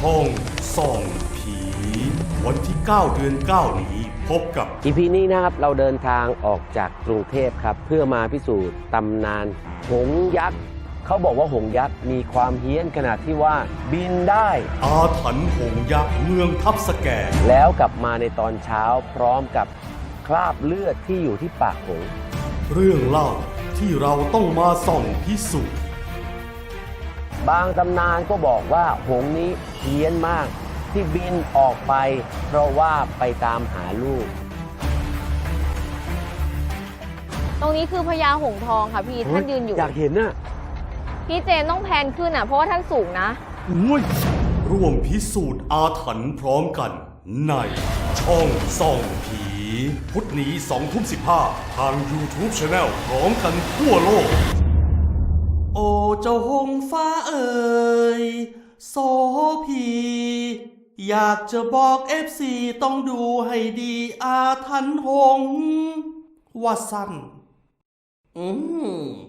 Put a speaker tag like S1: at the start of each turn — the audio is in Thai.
S1: ช่องส่องผีวันที่ 9 เดือน 9 นี้พบกับ
S2: EP นี้นะครับเราเดินทางออกจากกรุงเทพครับเพื่อมาพิสูจน์ตำนานหงส์ยักษ์เขาบอกว่าหงส์ยักษ์มีความเฮี้ยนขนาดที่ว่าบินได้
S1: อาถรรพ์หงส์ยักษ์เมืองทับสแก
S2: แล้วกลับมาในตอนเช้าพร้อมกับคราบเลือดที่อยู่ที่ปากหงส์
S1: เรื่องเล่าที่เราต้องมาส่องพิสูจน์
S2: บางตำนานก็บอกว่าหงส์นี้เฮี้ยนมากที่บินออกไปเพราะว่าไปตามหาลูก
S3: ตรงนี้คือพญาหงส์ทองค่ะพี่ท่านยืนอยู่
S2: อยากเห็นน่ะ
S3: พี่เจนต้องแพนขึ้นอ่ะเพราะว่าท่านสูงนะ
S1: ร่วมพิสูจน์อาถรรพ์พร้อมกันในช่องส่องผีพุธนี้ 20:15 ทาง YouTube Channel พร้อมกันทั่วโลก โอ้เจ้าหงส์ฟ้าเอ่ยโสพี อยากจะบอก FC ต้องดูให้ดีอาถรรพ์หงส์ว่าสั้น